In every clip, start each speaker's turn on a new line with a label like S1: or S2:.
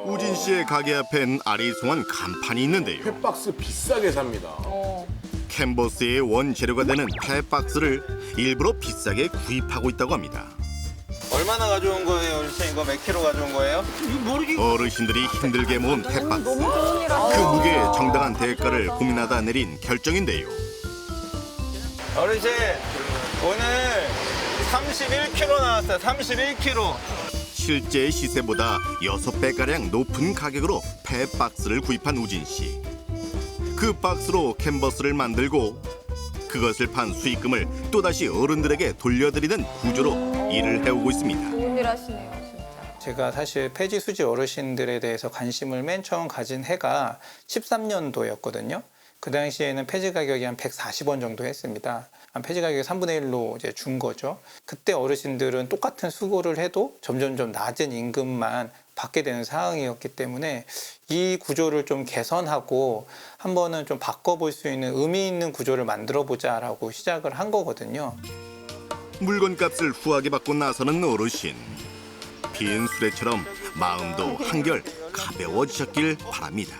S1: 우진 씨의 가게 앞엔 아리송한 간판이 있는데요.
S2: 펫박스 비싸게 삽니다.
S1: 캔버스의 원재료가 되는 펫박스를 일부러 비싸게 구입하고 있다고 합니다.
S3: 얼마나 가져온 거예요, 어르신? 이거 몇 킬로 가져온 거예요?
S1: 어르신들이 힘들게 모은 펫박스.
S4: 너무 좋은 일 아니에요.
S1: 그 무게에 정당한 대가를 고민하다 내린 결정인데요.
S3: 어르신, 오늘 31kg 나왔어요. 31kg.
S1: 실제 시세보다 6배가량 높은 가격으로 펫박스를 구입한 우진 씨. 그 박스로 캔버스를 만들고 그것을 판 수익금을 또다시 어른들에게 돌려드리는 구조로 일을 해오고 있습니다.
S4: 좋은 일 하시네요, 진짜.
S5: 제가 사실 폐지 수지 어르신들에 대해서 관심을 맨 처음 가진 해가 13년도였거든요. 그 당시에는 폐지 가격이 한 140원 정도 했습니다. 한 폐지 가격이 3분의 1로 이제 준 거죠. 그때 어르신들은 똑같은 수고를 해도 점점점 낮은 임금만 받게 되는 상황이었기 때문에 이 구조를 좀 개선하고 한번은 좀 바꿔볼 수 있는 의미 있는 구조를 만들어 보자라고 시작을 한 거거든요.
S1: 물건값을 후하게 받고 나서는 어르신. 빈 수레처럼 마음도 한결 가벼워지셨길 바랍니다.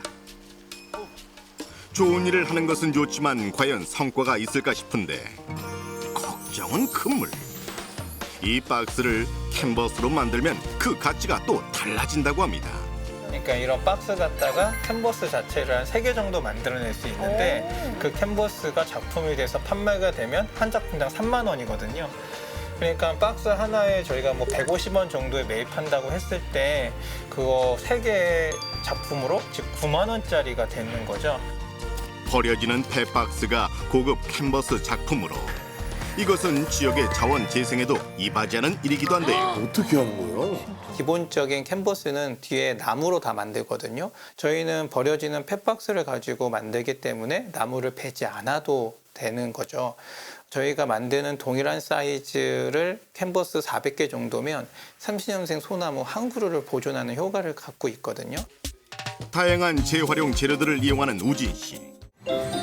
S1: 좋은 일을 하는 것은 좋지만 과연 성과가 있을까 싶은데 걱정은 큰물. 이 박스를 캔버스로 만들면 그 가치가 또 달라진다고 합니다.
S5: 그러니까 이런 박스 갖다가 캔버스 자체를 한 3개 정도 만들어낼 수 있는데 그 캔버스가 작품이 돼서 판매가 되면 한 작품당 3만 원이거든요. 그러니까 박스 하나에 저희가 뭐 150원 정도에 매입한다고 했을 때 그거 3개 작품으로 즉 9만 원짜리가 되는 거죠.
S1: 버려지는 펫박스가 고급 캔버스 작품으로. 이것은 지역의 자원 재생에도 이바지하는 일이기도 한데요.
S2: 어떻게 하는 거예요?
S5: 기본적인 캔버스는 뒤에 나무로 다 만들거든요. 저희는 버려지는 펫박스를 가지고 만들기 때문에 나무를 베지 않아도 되는 거죠. 저희가 만드는 동일한 사이즈를 캔버스 400개 정도면 30년생 소나무 한 그루를 보존하는 효과를 갖고 있거든요.
S1: 다양한 재활용 재료들을 이용하는 우진 씨.